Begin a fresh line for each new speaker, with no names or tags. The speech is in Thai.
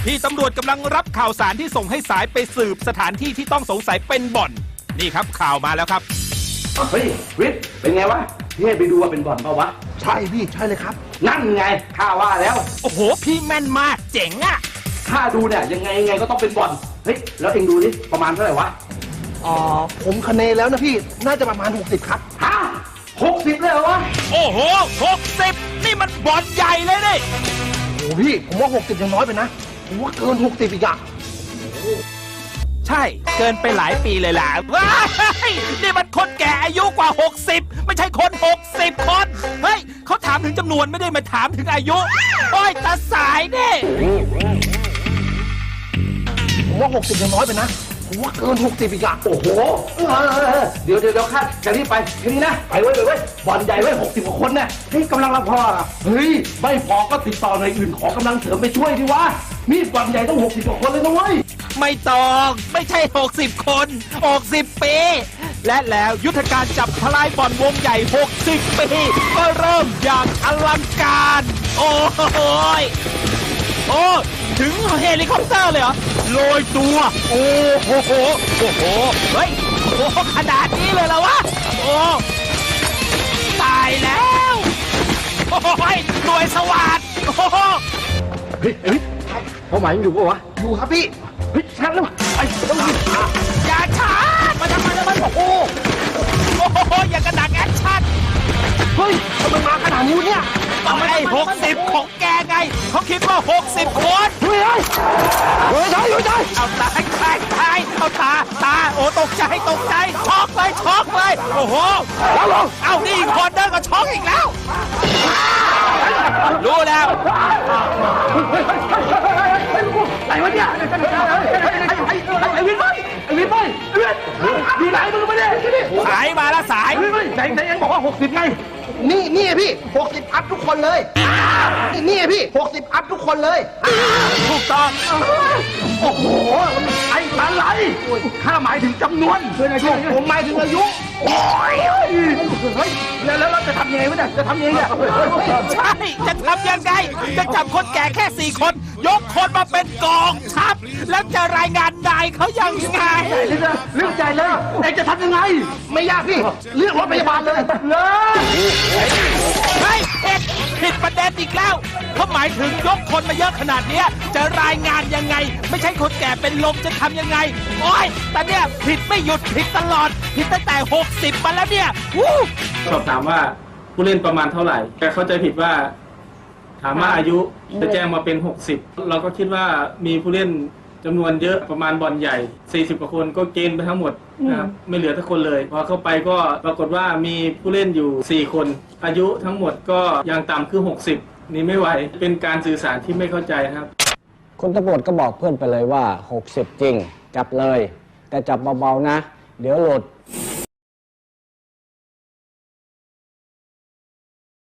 ที่ตำรวจกำลังรับข่าวสารที่ส่งให้สายไปสืบสถานที่ที่ต้องสงสัยเป็นบ่อนนี่ครับข่าวมาแล้วครับ
เฮ้ยวิทย์เป็นไงวะพี่ให้ไปดูว่าเป็นบ่อนเปล่าวะ
ใช่พี่ใช่เลยครับ
นั่นไงข้าว่าแล้ว
โอ้โหพี่แม่นมากเจ๋งอะ
ข้าดูเนี่ยยังไงก็ต้องเป็นบ่อนเฮ้ยแล้วเองดูดิประมาณเท่าไหร่วะ
ผมคะเนแล้วนะพี่น่าจะประมาณ60ครับ
ฮะ60เลยเหรอวะ
โอ้โห60นี่มันบ่อนใหญ่เลยนี่
โอ้พี่ผมว่า60ยังน้อยไปนะผมว่าเกิน60อีกอะ
ใช่เกินไปหลายปีเลยล่ะว้ายนี่มันคนแก่อายุกว่า60ไม่ใช่คน60คนเฮ้ยเขาถามถึงจำนวนไม่ได้มาถามถึงอายุโอ้ยตาสายนี่
ผมว่า60ยังน้อยไปนะผมว่าเกิน60อีกอะ
โอ้โหเดี๋ยวข้าจะรีบไปแค่นี้นะไปไว้บ่อนใหญ่ไว้60กว่าคนเนี่ยเฮ้ยกำลังรับพอเฮ้ยไม่พอก็ติดต่อหน่วยอื่นขอกำลังเสริมไปช่วยดิวะมีบ่อนใหญ่ต้อง60กว่าคนเลยนะเว้ย
ไม่ต้องไม่ใช่60คน60ปีและแล้วยุทธการจับทลายบ่อนวงใหญ่60ปีก็เริ่มอย่างอลังการโอ้ยโอ้ถึงเฮลิคอปเตอร์เลยเหรอโรยตัวโอ้โหเฮ้ยโอ้ขนาดนี้เลยเหรอวะโอ้ตายแล้วโอ้ยหน่วยสวัสดิ์โอ้
เฮ้ยเป้าหมายยังอยู่ปะวะ
อยู่ครับพี่
เฮ้ยชัดแล้วไอ้ต้องรีบ
อย่าช้ามาทำไมมันบอกโอ้อย่างกระดักแอคชั่น
เฮ้ยทำไมมาขนาดนี้เนี่ย
ไอ้60ของแกไงเขาคิดว่า60คน
เฮ้ยใจ
เอาตายเอาตาโอ้ตกใจช็อกเลยโอ้โหเอานี่อีกคนเดินก็ช็อกอีกแล้วรู้แล้ว
ไหนวะเนี่ยไอ้วินอยู่ไหนมึงไม่ได้
สายมาแล้วสาย
ไหนยังบอกว่า60ไง
นี่พี่60อัพทุกคนเลยนี่พี่60อัพทุกคนเลย
ถูกต้อง
โอ้โหไอ้อะไรข้าหมายถึงจำนวน
ผมหมายถึงอายุ
เฮ้ยแล้วเราจะทำยังไงวะเนี่ยจะทำยังไงเนี่ย
ใช่จะทำยังไงจะจับคนแก่แค่4คนยกคนมาเป็นกองทัพแล้วจะรายงานนายเขายังไง
เรื่องใหญ่เลยเอ็งจะทำยังไง
ไม่ยากพี่เรียกรถพยาบาลเลย
เฮ้ยผิดประเด็นอีกแล้วเขาหมายถึงยกคนมาเยอะขนาดนี้จะรายงานยังไงไม่ใช่คนแก่เป็นลมจะทำยังไงโอ้ยแต่เนี่ยผิดไม่หยุดผิดตลอดผิดตั้งแต่60มาแล้วเนี่ย
สอบถามว่าผู้เล่นประมาณเท่าไหร่แต่เข้าใจผิดว่าถามว่าอายุจะแจ้งมาเป็น60เราก็คิดว่ามีผู้เล่นจำนวนเยอะประมาณบ่อนใหญ่40กว่าคนก็เกณฑ์ไปทั้งหมดนะครับไม่เหลือทุกคนเลยพอเข้าไปก็ปรากฏว่ามีผู้เล่นอยู่4คนอายุทั้งหมดก็อย่างต่ำคือ60นี่ไม่ไหวเป็นการสื่อสารที่ไม่เข้าใจครับ
คุณตำรวจก็บอกเพื่อนไปเลยว่า60จริงจับเลยแต่จับเบาๆนะเดี๋ยวหลุด